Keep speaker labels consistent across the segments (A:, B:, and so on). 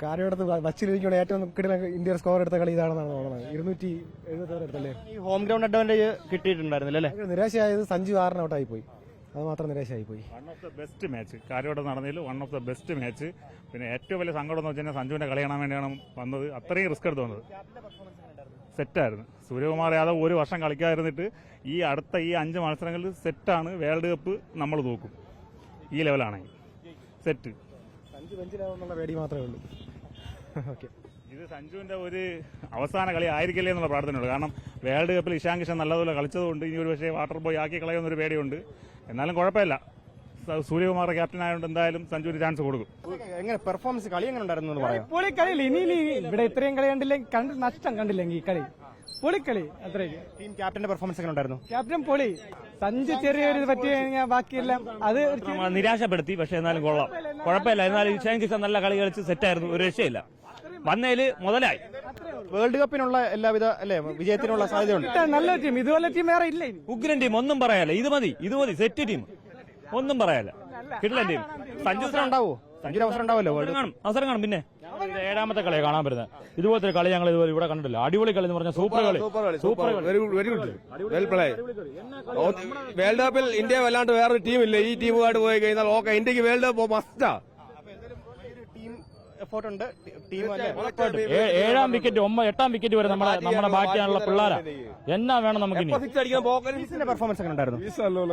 A: കാര്യമെടുത്ത് വച്ചിരിക്കുന്ന ഏറ്റവും കിടിലൻ ഇന്ത്യ സ്കോർ എടുത്ത കളി ഇതാണെന്നാണ് തോന്നുന്നത്. 270 എടുത്തല്ലേ.
B: ഈ ഹോം ഗ്രൗണ്ട് അഡ്വാൻറ്റേജ് കിട്ടിയിട്ടുണ്ടായിരുന്നില്ല അല്ലേ?
A: നിരാശയായത് സഞ്ജു 6 ഔട്ടായി പോയി. അത് മാത്രം നിരാശയായി പോയി.
C: One of the best match കാര്യോടെ നടന്നതിൽ one of the best match. പിന്നെ ഏറ്റവും വലിയ സങ്കടം എന്ന് വെച്ചാൽ സഞ്ജുവിന്റെ കളി കാണാൻ വേണ്ടിയാണ് വന്നത്. അത്രയും റിസ്ക് എടുത്ത് വന്നത്. സെറ്റായിരുന്നു. സൂര്യകുമാർ യാദവ് ഒരു വർഷം കളിക്കാതിരുന്നിട്ട് ഈ അടുത്ത 5 മത്സരങ്ങളിൽ സെറ്റാണ്. വേൾഡ് കപ്പ് നമ്മൾ നോക്കും ഈ ലെവലാണെങ്കിൽ സെറ്റ്.
A: സഞ്ജു ബെഞ്ചിലാവുന്നുള്ള പേടി മാത്രമേ ഉള്ളൂ. ഓക്കെ,
C: ഇത് സഞ്ജുവിന്റെ ഒരു അവസാന കളി ആയിരിക്കില്ലേ എന്നുള്ള പ്രാർത്ഥനയുള്ളൂ. കാരണം വേൾഡ് കപ്പിൽ ഇഷാൻ കിഷൻ നല്ലതുപോലെ കളിച്ചതുകൊണ്ട് ഇനി ഒരു പക്ഷേ വാട്ടർ ബോയ് ആക്കി കളയുന്നൊരു പേടിയുണ്ട്. എന്നാലും കുഴപ്പമില്ല. സൂര്യകുമാർ ക്യാപ്റ്റൻ ആയതുകൊണ്ട് എന്തായാലും സഞ്ജുവിന് ചാൻസ് കൊടുക്കും.
B: എങ്ങനെ പെർഫോമൻസ് കളി എങ്ങനെ ഉണ്ടായിരുന്നു പറയാം?
D: പൊളി കളിയില്ല. ഇനി ഇവിടെ ഇത്രയും കളി കണ്ടില്ലെങ്കിൽ നഷ്ടം കണ്ടില്ലെങ്കിൽ ഈ കളി പൊളിക്കളി അത്രയ്ക്ക്.
B: ടീം ക്യാപ്റ്റന്റെ പെർഫോമൻസ് എങ്ങനെ ഉണ്ടായിരുന്നു?
D: ക്യാപ്റ്റൻ പൊളി. സഞ്ജു ചെറിയൊരു പറ്റി കഴിഞ്ഞാൽ ബാക്കിയെല്ലാം അത്
E: നിരാശപ്പെടുത്തി. പക്ഷെ എന്നാലും കൊള്ളാം, കുഴപ്പമില്ല. എന്നാലും ഇഷാൻ കിഷൻ നല്ല കളി കളിച്ച് സെറ്റായിരുന്നു. ഒരു രക്ഷയില്ല. വന്നതില് മുതലായി.
B: വേൾഡ് കപ്പിനുള്ള എല്ലാവിധ അല്ലെ വിജയത്തിനുള്ള സാധ്യതയുണ്ട്.
D: നല്ല ടീം, ഇതുപോലെ ടീം വേറെ ഇല്ല.
E: ഉഗ്രൻ ടീം, ഒന്നും പറയാല്ല. ഇത് മതി സെറ്റ് ടീം, ഒന്നും പറയാല്ല. കിട്ടില്ല ടീം.
B: സഞ്ജു ഉണ്ടാവോ? സഞ്ജുവിന് അവസരം ഉണ്ടാവല്ലോ.
E: അവസരം കാണും. പിന്നെ 7ാമത്തെ കളിയാണ് കാണാൻ പറ്റുന്നത്. ഇതുപോലത്തെ കളി ഞങ്ങൾ ഇതുപോലെ ഇവിടെ കണ്ടിട്ടില്ല. അടിപൊളി കളി എന്ന് പറഞ്ഞാൽ സൂപ്പർ കളി.
F: Very good well play. World കപ്പിൽ ഇന്ത്യ വല്ലാണ്ട് വേറൊരു ടീമില്ല. ഈ ടീമുമായിട്ട് പോയി കഴിഞ്ഞാൽ ഓക്കെ, ഇന്ത്യക്ക് വേൾഡ് കപ്പ് മസ്റ്റാ.
B: ടീം എഫോർട്ട് ഉണ്ട്. ടീം
E: 7ാം വിക്കറ്റ് 8ാം വിക്കറ്റ് വരെ നമ്മുടെ ബാക്കിയാണുള്ള പിള്ളേരാ. എന്നാ വേണം നമുക്ക് ഇനി.
B: പെർഫോമൻസ് എങ്ങനെ ഉണ്ടായിരുന്നു?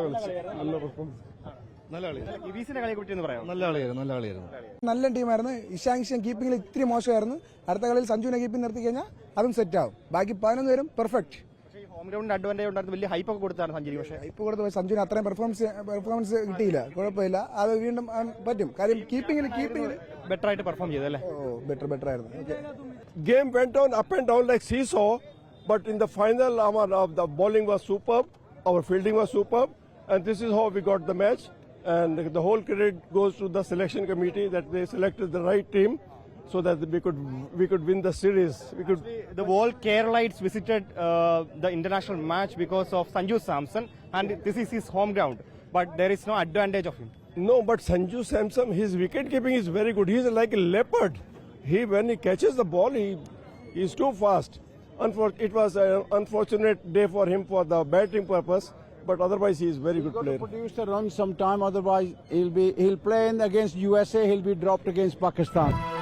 A: നല്ല ടീമായിരുന്നു. ഇഷാൻ കിഷൻ കീപ്പിംഗിൽ ഇത്തിരി മോശമായിരുന്നു. അടുത്ത കളിയിൽ സഞ്ജുവിനെ കീപ്പിംഗ് നിർത്തി കഴിഞ്ഞാൽ അതും സെറ്റ് ആവും. ബാക്കി 11 പേരും പെർഫെക്റ്റ്.
B: ഹോം ഗ്രൗണ്ട് അഡ്വാൻറ്റേജ് ഉണ്ടായിരുന്നു. വലിയ ഹൈപ്പ് ഒക്കെ കൊടുത്താണ് സഞ്ജു. പക്ഷേ
A: ഹൈപ്പ് കൊടുത്ത് സഞ്ജുവിന് അത്രയും പെർഫോമൻസ് കിട്ടിയില്ല. കുഴപ്പമില്ല, അത് വീണ്ടും പറ്റും. കാര്യം കീപ്പിംഗിൽ
B: ബെറ്റർ ആയിട്ട് പെർഫോം ചെയ്തല്ലേ?
A: ബെറ്റർ ആയിരുന്നു.
F: Game went on up and down like seesaw, but in the final, the bowling was superb, our fielding was superb, and this is how we got the match. And the whole credit goes to the selection committee that they selected the right team so that we could win the series.
B: The whole Keralites visited the international match because of Sanju Samson, and this is his home ground. But there is no advantage of him.
F: No, but Sanju Samson, his wicket keeping is very good. He is like a leopard. When he catches the ball, he is too fast. It was an unfortunate day for him for the batting purpose, but otherwise he is very good player.
G: Produce the run sometime, otherwise he'll play against USA, he'll be dropped against Pakistan.